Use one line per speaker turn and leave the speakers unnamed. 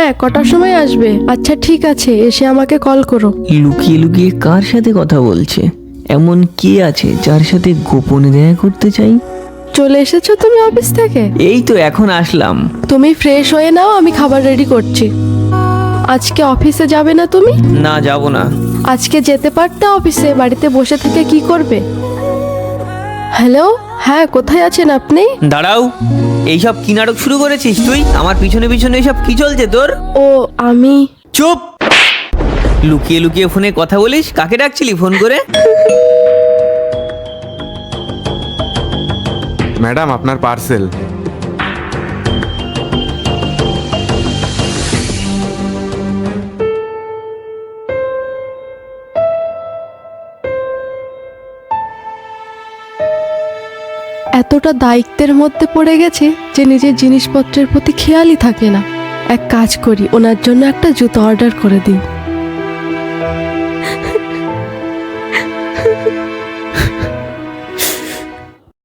হ্যাঁ, কটার সময় আসবে? আচ্ছা ঠিক আছে, এসে আমাকে কল করো।
লুকিয়ে লুকিয়ে কার সাথে কথা বলছে? এমন কে আছে যার সাথে গোপনে দেখা করতে চাই?
চলে এসেছো তুমি অফিস থেকে?
এই তো এখন আসলাম।
তুমি ফ্রেশ হয়ে নাও, আমি খাবার রেডি করছি। আজকে অফিসে যাবে না তুমি?
না, যাব না।
আজকে যেতে পারতে অফিসে, বাড়িতে বসে থেকে কি করবে? হ্যালো, হ্যাঁ কোথায় আছেন আপনি?
দাঁড়াও, এইসব কি নাটক শুরু করেছিস তুই? আমার পিছনে পিছনে এইসব কি চলছে তোর?
ও আমি
চুপ! লুকিয়ে লুকিয়ে ফোনে কথা বলিস? কাকে ডাকছিলি ফোন করে?
ম্যাডাম, আপনার পার্সেল।
এতটা দায়িত্বের মধ্যে পড়ে গেছে যে নিজের জিনিসপত্রের প্রতি খেয়ালই থাকে না। এক কাজ করি, ওনার জন্য একটা জুতো অর্ডার করে দিই।